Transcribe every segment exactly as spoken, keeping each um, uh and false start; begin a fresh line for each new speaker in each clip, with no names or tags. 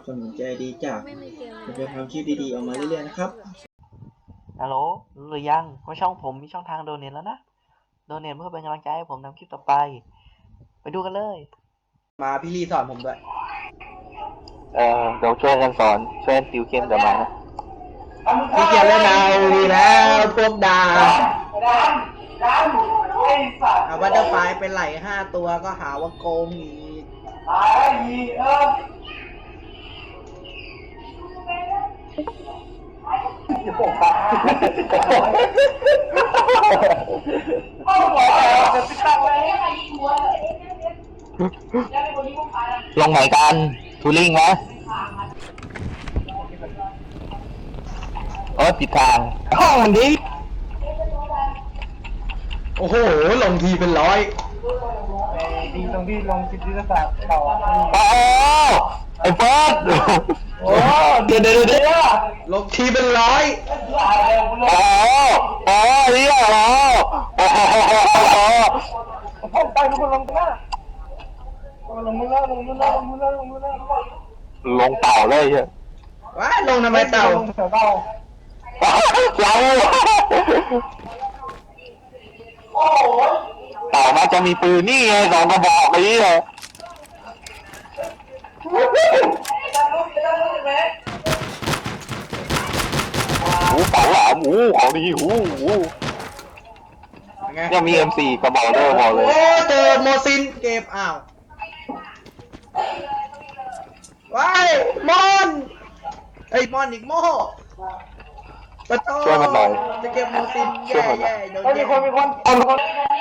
สนุนใจดีจากจะเป็นความคิดดีๆออกมาเรื่อยๆนะครับ
ฮัลโหลรู้หรือยังว่าช่องผมมีช่องทางโดเนทแล้วนะโดเนทเพื่อเป็นกำลังใจให้ผมทำคลิปต่อไปไปดูกันเลย
มาพี่ลีสอนผมด้วย
เออเดี๋ยวช่วยกันสอนช่วยติวเข้มกับมานะ
พี่เกียรเล่นเอาดีแล้วพวกดาเอาบัตเตอร์ไฟเป็นไหลห้าตัวก็หาว่าโกงอีก
ลงไหนกันทูริงไหมเออติดทางห้องมันดิ
โอ้โหลงทีเป็นร้อย
ดีตรงที่ลงจิตวิทยาศาสตร์ต่อ
โอ้ไอ้เฟิร์ส
โอ้เดี๋ยวเดี๋ยวเดี๋ยว
ลงทีเป็นร้อย
โอ้โอ้เนี่ยโอ้โอ้โอ้
พ่อไปทุกคนลงไปแล้วลงมือแล้วลงมือแล้วลงมือแล้วลงมือแล้ว
ลงเต่าเลยใช่
ว้าลงทำไมเต่า
ลงเต่า
เราเต่ามันจะมีปืนนี่ไงสองกระบอกนี้เลยหูเต่าหลามหูของดีหูหูยังมี เอ็ม โฟร์ กระบอกเด้อบอกเลย
โอ้เจอโมซินเก็บอ้าวว้ายมอนไอ้มอนอีกโม่ปะโต้
ช่วยมันหน่อย
จะเก็บโมซินแย่แย่โดนแย่
มีคนมีคนคนคน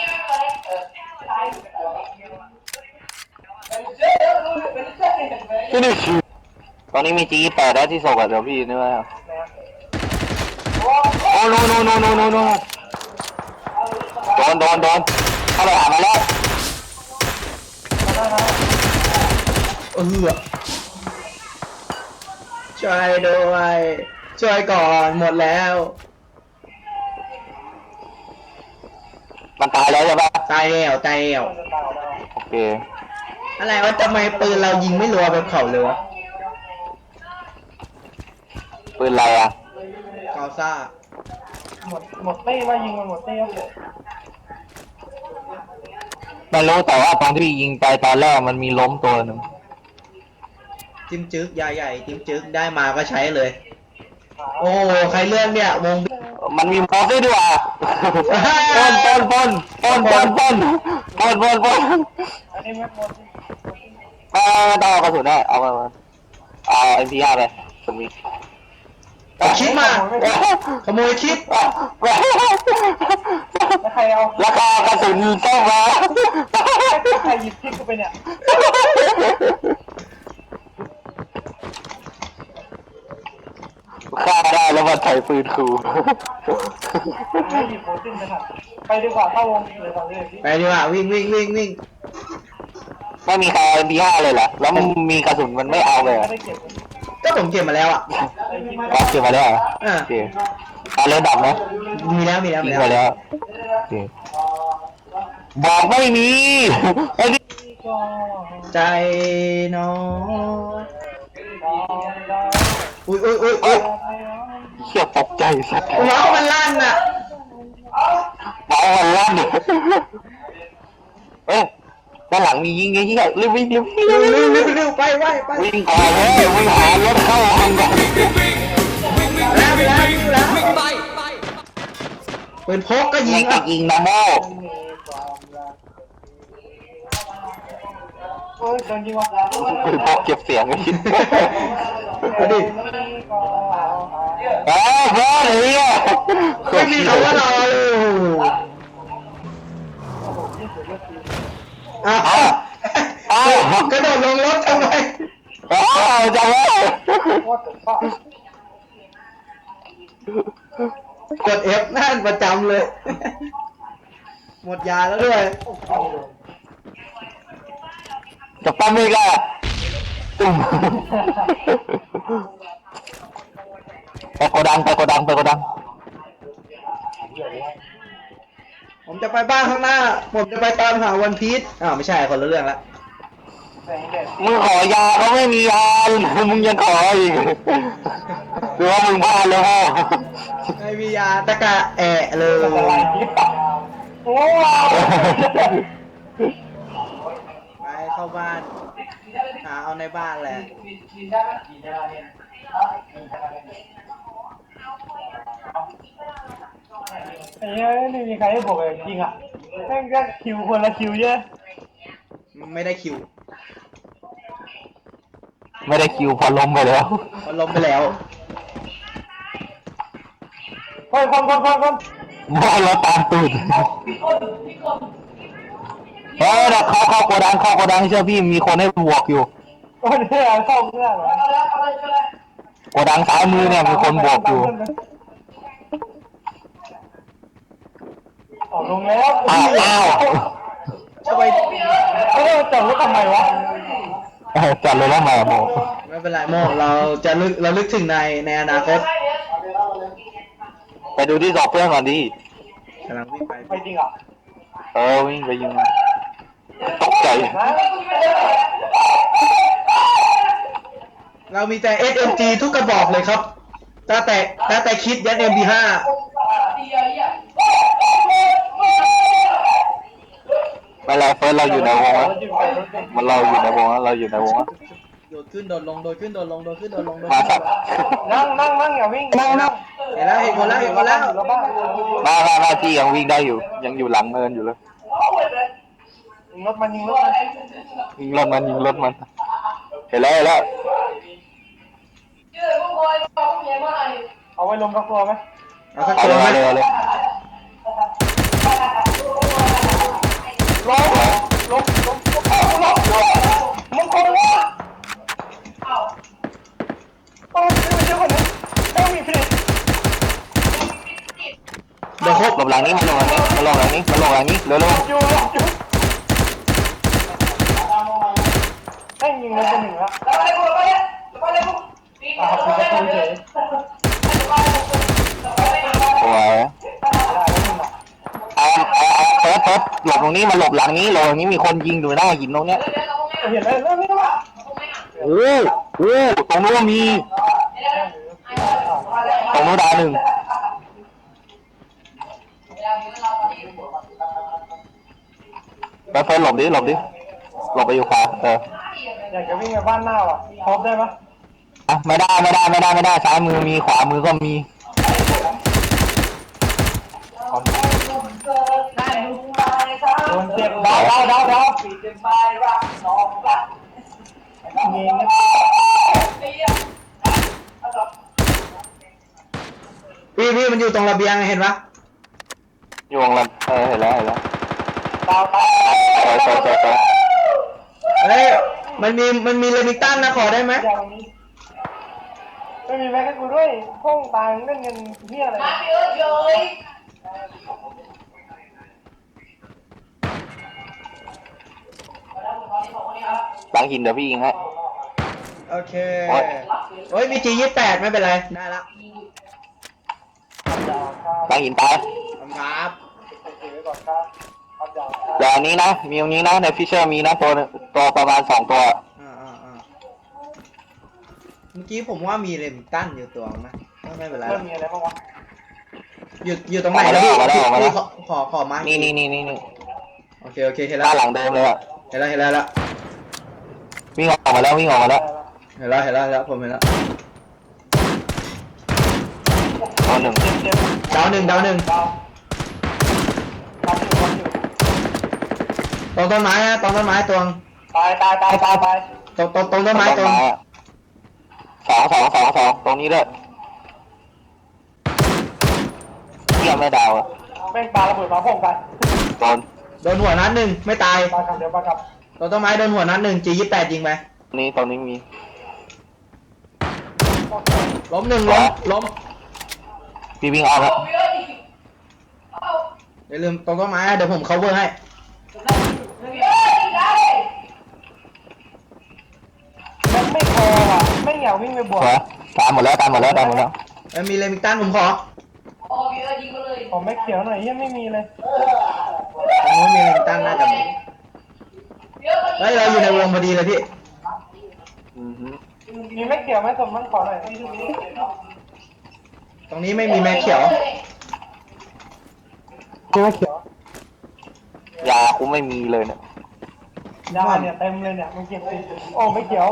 ที่นี่ตอนนี้มีจีแปดแล้วที่ส่งกับเดี๋ยวพี่นี่ว่าโอ้โนโนโนโนโนโนโดนโดนโดนเข้าไปหามาแล้ว
เออช่วยด้วยช่วยก่อนหมดแล้ว
มันตายแล้วใช่ปะ
ตายแล้วตายแล้ว
โอเค
อะไรวะทำไมปืนเรายิงไม่รัวแบบเขาเลยวะ
ปืนอะไรอ่ะ
เกาซ่า
หมดหมดเต้ว่ายิงมันหมดเต้ครับ
ไม่รู้แต่ว่าตอนที่ยิงไปตอนแรกมันมีล้มตัวหนึ่ง
จิ้มจึ๊กยาใหญ่จิ้มจึ๊กได้มาก็ใช้เลยโอ้ใครเลื่อนเนี่ยวง
มันมีมอสด้วยดีกว่าปนปนปนปนปนปนปนปนปน
อันนี้ไม่หมด
เอาต้องเอากระสุนได้เอาไปเอาเอ็มพีอาร์ไปคนมี
คิดมาขโมยคิด
แล้วใครเอา
ราคากระสุนต้องมา
ใครหยิบคิดกูไปเนี่ย
ฆ่าได้แล้วมาถ่ายปืนครู
ไม่หยิบโผล่ขึ้นไปค่ะไปดีกว่าเข้าวงเลยตอนนี้
ไปดีกว่าวิ่งวิ่งวิ่งวิ่ง
ไม่มีใคร เอ็ม พี ห้า เลยเหรอแล้วมันมีกระสุนมันไม่เอาเลย
ก็ผมเก็บมาแล้วอ่ะ
ก็เก็บมาแล้วเหรอโอเคเอาเล่นดับไหม
มีแล้วมีแล้ว
มีแล้วโอเคบอกไม่มีไอ้นี่
ใจน้อยอุ้ยอุ้ยอุ้ยอุ้ย
เชี่ยตกใจสัตว์
ว้าวมันลั่นอ่ะ
ว้าวมันลั่นเอ๊ะด้านหลังมียิงไงเฮียรีบวิ่งรีบวิ่ง
เร็วเร็วเร็วเร็วไปไปไป
วิ่งก่อนเลยวิ่งหารถเข้าห้องก่อน
แล้วแล้วแล้วปืนพกก็ยิงอ่ะ
ยิงนะโม่
โอ้ยโดนยิงว่ะ
ปืนพกเก็บเสียงไอ้ชิ้น
มาดิ
เฮ้ยเฮ้ยเฮีย
ไม่มีคำว่ารอเลยอ้าวอ้าวกระโดดลงรถทำไม
อ้าวจังเลย
กด F นั่นประจำเลยหมดยาแล้วด้วย
จะปั๊มอีกอ่ะไปโกดังไปโกดังไปโกดัง
ผมจะไปบ้านข้างหน้าผมจะไปตามหาวันพีชอ้าวไม่ใช่คนละเรื่องละ
แสงแดด
มึงขอยาเขาไม่มียามึงยังขออีกหรือว่ามึงพลาดแล้วพ่อ
ไม่มียาตะกะแอะเลย
อะไรโอ้
ไปเข้าบ้านหาเอาในบ้านแหละ
ไอ้เนี้ยไม่มีใครให้บอกเลยจริงอ่ะแม่งก็คิวคนละคิวเยอะ
ไม่ได้คิว
ไม่ได้คิวพอล้มไปแล้ว
มันล้มไปแล้ว
คนคนคนคนคน
มอเราตามตูดเฮ้ยเราเข้าเข้าโกดังเข้าโกดังเชื่อพี่มีคนให้บวกอยู่
คนเนี่ยเข้าเพื่อนเหรอ
โกดังซ้ายมือเนี่ยมีคนบวกอยู่
ออกลงแล้ว
อ้าวอ้าว
จะไป
เออจับรถทำไมวะ
เออจัดเลยแล้วมาโม
ไม่เป็นไรโมเราจะลึกเราลึกถึงในในอนาคต
ไปดูที่สอบเพื่อนก่อนดิ
กำลังวิ่งไป
ไปจริงอ่ะ
เออวิ่งไปยิงตกใจ
ฮะ
เรามีแต่ เอส เอ็ม จี ทุกกระบอกเลยครับตั้งแต่ตั้งแต่คิดยัน เอ็ม พี ห้า
ไม่ไรเฟิร์สเราอยู่ในวงแล้วมันเราอยู่ในวงแล้วเราอยู่ในวงแล้ว
โดดขึ้นโดดลงโดดขึ้นโดดลงโดดขึ้นโดดลงโดด
มา
ขึ้น
สัก
นั่งนั่งนั่งอย่าวิ่งนั่งนั่ง
เห็นแล้วเห็นคนแล้วเห็นคนแล้ว
แล้วบ้าง
มามามาที่ยังวิ่งได้อยู่ ยังอยู่หลังเนินอยู่เลย
ยิงรถมันยิงรถมัน
ยิงรถมันยิงรถมันเห็นแล้วเห็นแล้ว
เอาไว้ลงกับตัวไหม
เอาสัก
เอา
ตัว
เลย
ไหม
เอาเลยเอาเลย
ลงลงลงลงลงมึงคนวะโอ้ยไม่ใช่คนนี้ต้องมีเพลง
เดี๋ยวครบ
หลบหลังนี้มันหลบหลังนี้มันหลบหลังนี้มันหลบหลังนี้เร็วเร็ว
อยู่อยู่แม่งยิงมันเป็นหนึ่งแล้วอ่าคุณจะคุยเฉย
โอ้ยเอาเอาเอาเฟิร์สเฟิร์สหลบตรงนี้มาหลบหลังนี้หลบตรงนี้มีคนยิงอยู่หน้าหินตรงเนี้ย
เห็นเลยเรื่องนี้วะ
โอ้โหตรงนู้นก็มีตรงนู้นดาวหนึ่งไปเฟิร์สหลบดิหลบดิหลบไปอยู่ขวาเออ
อยากจะวิ่งไปบ้านหน้าว่ะพบได้ปะ
อ่ะไม่ได้ไม่ได้ไม่ได้ไม่ได้ซ้ายมือมีขวามือก็มี
โดนเจ็บดาวดาวดาวดาวเงี้ย
พี่พี่มันอยู่ตรงระเบียงเห็นปะ
อยู่วงละเออเห็นแล้วเห็นแล้ว
ดาวดาว
เออเออเออเออ
เฮ้ยมันมีมันมีเลมิงตันนะขอได้ไหม
อย่างนี้ไม่มีแม็กให้กูด้วยห้องตายเล่นเงินเฮียอะไร
หลังหินเดี๋ยวพี่ยิงให้
โอเค
โอ๊ย
โอ้ยมี จี ยี่สิบแปดไม่เป็นไรได้ละ
หลังหินตาย
ขอบคุณครับ
เดี๋ยวอันนี้นะมีตรงนี้นะในฟิชเชอร์มีนะตัวตัวประมาณสองตัว
อ่าอ่าอ่าเมื่อกี้ผมว่ามีเลมิงตันอยู่ตัวนะไม่เป็นไร
เริ่
ละ
มมีอะไรบ้างวะ
อยู่อยู่ตรงไหนแล้วพี่
ออกมาแล้วออกมาแล้ว
พี่ขอขอขอมา
นี่นี่นี่นี่นี่
โอเคโอเคเห็นแล้
บ้า
วน
หลังเดิมเลยอะ
เห็นแล้วเห็นแล้วเห็นแล้ว
วิ่งออกมาแล้ววิ่งออกมาแล้ว
เห็นแล้วเห็นแล้วเห็นแล้วผมเห็นแล้ว
ตัวหนึ่ง
เจ็บเจ็บ
ดาวหนึ่งดาวหนึ่ง
ดาวดาวอยู่ดาวอยู่
ตรงต้นไม้นะตรงต้นไม้ตรง
ตายตายตายตายตาย
ตรงตรงตรงต้นไม้ตรง
อะสองสองสองสองตรงนี้ด้วยเที่ยไม่ดาวอะ
แม่งปาระเบิดมาพ่องกัน
โดน
โดนหัวนัดหนึ่งไม่ตาย
ปากลับเดี๋ยวปากลับ
ตรงต้นไม้โดนหัวนัดหนึ่ง จี ยี่สิบแปดยิงไป
นี่ตรงนี้มี
ล้มหนึ่งล้มล้ม
พี่วิ่งออกแล้ว
อย่าลืมตรงต้นไม้นะเดี๋ยวผม cover ให้
มันไม่พอว่ะไม่อยากวิ่งไปบวก
เหรอตามหมดแล้วตามหมดแล้วตามหมดแล้ว
เอ้ยมีเลมิงตันผมขอ
ผมไม่เขียวหน่อยยังไม่มีเลย
ตรงนู้นมีเลมิงตันน่าจะมีเฮ้ยเราอยู่ในวงพอดีเลยพี่
อือฮึ
มีไม่เกี่ยวไหมสมมันขอหน่อย
ตรงนี้ไม่มีแม่เขียว
ไม่เขียวย
ากูไม่มีเลยเนี่ย
ยาเนี่ยเต็มเลยเนี่ยมันเก็บสิโอ้ไม่เกี่ยว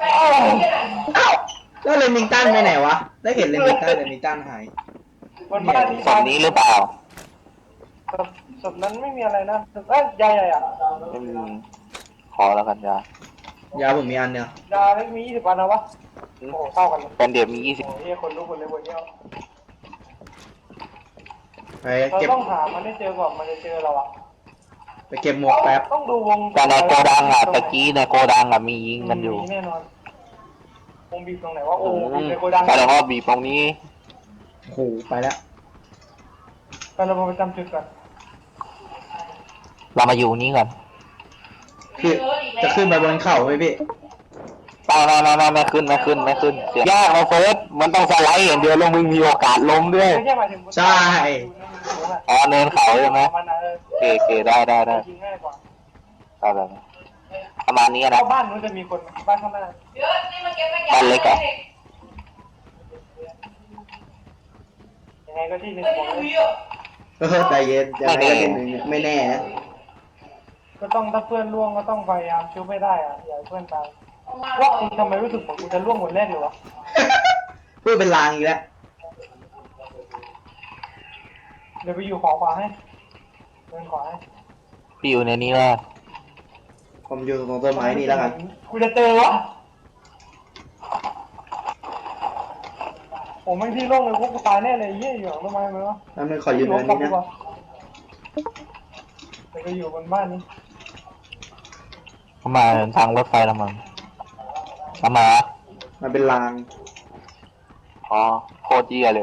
แล้วเลมิงตันไปไหนวะ ได้เห็นเลมิงตันเลมิงตันหาย
บนบ้านนี้
ศพนี้หรือเปล่า
ศพศพนั้นไม่มีอะไรนะศพเอ้ยยาใหญ่อะ
ไม่มีขอแล้วกันยาย
าผมมีอันเดียวย
าไม่มียี่สิบวันนะวะโอ้โหเท่ากันเลย
เป็นเดียมียี่สิบ
โอ้โหเฮียคนรู้คนเลยคนเดียว
ไป
เรา
เก็บ
ต้องหามันให้เจอก่อนมันจะเจอเราอะ
ไปเก็บหมวกแป๊บ
ต้องดูวง
แต่ในโกดังอ่ะตะกี้ในโกดังอ่ะมียิงกันอยู่
มีแน่นอนวงบีบตรงไหนวะโอ้บีบในโกดัง
แสดงว่าบีบตรงนี้
โอ้โหไปแล้ว
ไปเราไปจำจุดก่อน
เรามาอยู่นี้ก่อน
คือจะขึ้นไปบนเขาไหมพี่
ไม่ไม่ไม่ไม่ไม่ขึ้นไม่ขึ้นไม่ขึ้นเสียยากนะเฟิร์สมันต้องสไลด์อย่างเดียวลงมึงมีโอกาสล้มด้วย
ไม่ใช่หมายถึง
ใช่
อ๋อเนินเขาใช่ไหม
มันเออ
เกเกได้ได้ได้
ยิงง่ายกว่า
ได้แบบนี้ประมาณนี้
เพ
นะ
ราะบ้านนู้นจะมีคนบ้านข้างหน้า
บ้านเล็กอ่ะ
ยังไงก็ที่หนึ่งของเลย
เออใจเย็นยังไงก็เป็นหนึ่งไม่แน่นะ
ก็ต้องถ้าเพื่อนล่วงก็ต้องพยายามช่วยไม่ได้อะอย่าให้เพื่อนตายว่าคุณทำไมรู้สึกเหมือนกูจะล่วงคนแรกเลยวะ
พูดเป็นลางอีกแล้ว
เดี๋ยวไปอยู่ขอขวาให้เดินขวาให้
พี่อยู่ในนี้แล้ว
ผมอยู่ตรงต้นไม้นี่แล้วกัน
กูจะเจอวะผมไม่ที่โล่งเลยพวกกูตายแน่เลยเยี่ยอยู่หลังต้นไม้ไหมวะ
แล้วมันขอยืนเนินนี้นะ
เดี๋ยวไปอยู่บนบ้านนี้
เขามาทางรถไฟแล้วมั้งเขามา
มันเป็นลาง
อ๋อโคตรเยี่ยเลย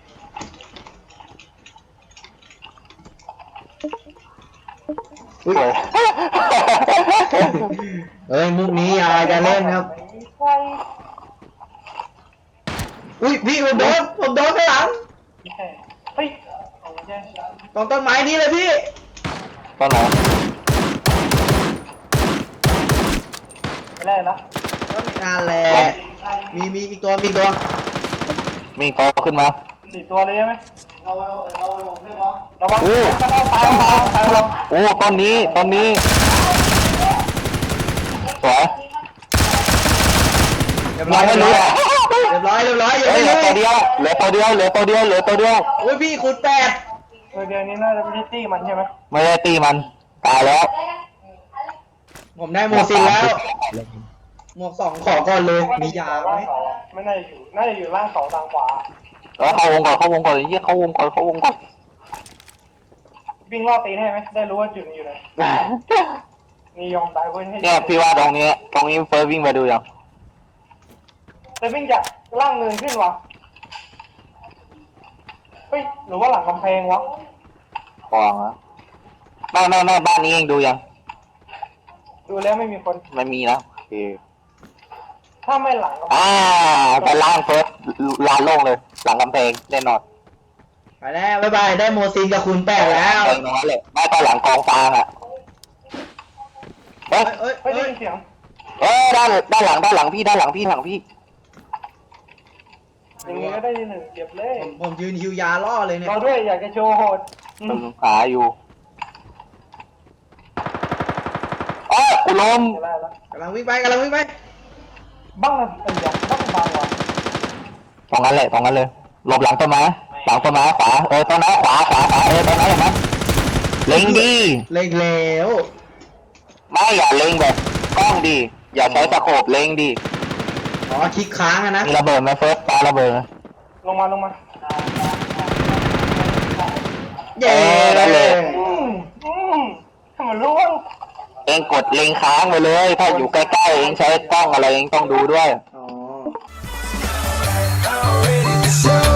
อุ้ย
สวย
เอ้ยมุกนี้อยาจะเล่นครับ
ใช่
อุ้ยพี่ผมโดนผมโดนข้างหลัง
ไม่ใช่เฮ้ยเอาไม่ใช่
ตรงต้นไม้นี้เลยพี่
ต้นไหน
ไม่ได้ละ
ก็มีงานแหละมีมีอีกตัวมีอีกตัว
มีโตขึ้นมา
สี่ตัวเลยใช่ไหมระวังระวัง
โอ้
ตายตายตายตายเรา
โอ้ต้นนี้ต้นนี้สวย
เรียบร้อ
ยั
ย
ง
เรี
ไม่
ยบ
รู้
ร้อย
อ่ะ
เรียบร้อยเรียบร้อยอย่า
เฮ้ย
ไม่
เหลือ
รู้
ตัวเดียวเหลือตัวเดียวเหลือตัวเดียวเหลือตัวเดียว
อุ้ยพี่คุณแปด
ตัวเดียวนี้น่าจะไม่ใช่ตี้มันใช่ไหม
ไม่ได้ตีมันตายแล้ว
ผมได้หมวกสินแล้วหมวกสองขอก่อนเลยมียาไหม
ไม่น่าจะอยู่น่าจะอยู่ล่างเสาทางขวา
แล้วเข้าวงก่อนเข้าวงก่อนเยี่ยเข้าวงก่อนเข้าวงก่อน
วิ่งล่อตีนให้ไหมได้รู้ว่าจุดมันอยู่ไหนมียอมตายเพื่อนให้
เนี่ยพี่ว่าตรงนี้ตรงนี้เฟิร์สวิ่งไปดูยัง
แต่วิ่งจากล่างเนินขึ้นวะเฮ้ยหรือว่าหลังกำแพงวะ
ฟองอะไม่ไม่ไม่บ้านนี้เองดูยัง
ดูแล้วไม่มีคน
ไม่มีนะโอเค
ถ้าไม่หลังกำแพง
อ่าไปล่างเฟิร์สลานโล่งเลย หลังกำแพงแน่นอน
ไปแล้วบ๊ายบายได้โมซินกับคุณแปดแล้ว
เองตรงนั้นเลยไม่ก็หลังกองฟางอ่ะเฮ้ย
เอ้ย
เฮ้ย
เอ้
ได้
ย
ยินเสียง
เอ้ยด้านด้านหลังด้านหลังพี่ด้านหลังพี่หลังพี่
อย่างนี้ก็ได้ยินหนึ่งเก็บเลย
ผมผมยืนฮิวยาล่อเลยเนี่ย
เราด้วยอยากจะโชว์โหดอืม
กำลังหาอยู่เอ้ยกูล้ม
ได้แล้ว
กำลังวิ่งไปกำลังวิ่งไป
บ้างนะเอ้ยอยากบ้างบางว่ะ
ตรงนั้นเลยตรงนั้นเลยหลบหลังต้นไม้หลังต้นไม้ขวาเออต้นไม้ขวาขวาขวาเออต้นไม้เห็นไหมเล็งดี
เล็งแล้ว
ไม่อย่าเล็งแบบกล้องดีอย่าใช้ตะโขบเล็งดี
อ๋อคลิกค้างอะนะ
มีระเบิดไหมเฟิร์สปาระเบิดไหม
ลงมาลงมา
เย้
อืมอืมทำไมรู้ว่า
เองกดเล็งค้างไปเลย ถ้าอยู่ใกล้ๆเองใช้กล้องอะไรเองต้องดูด้วย
อ๋อ
Already deserve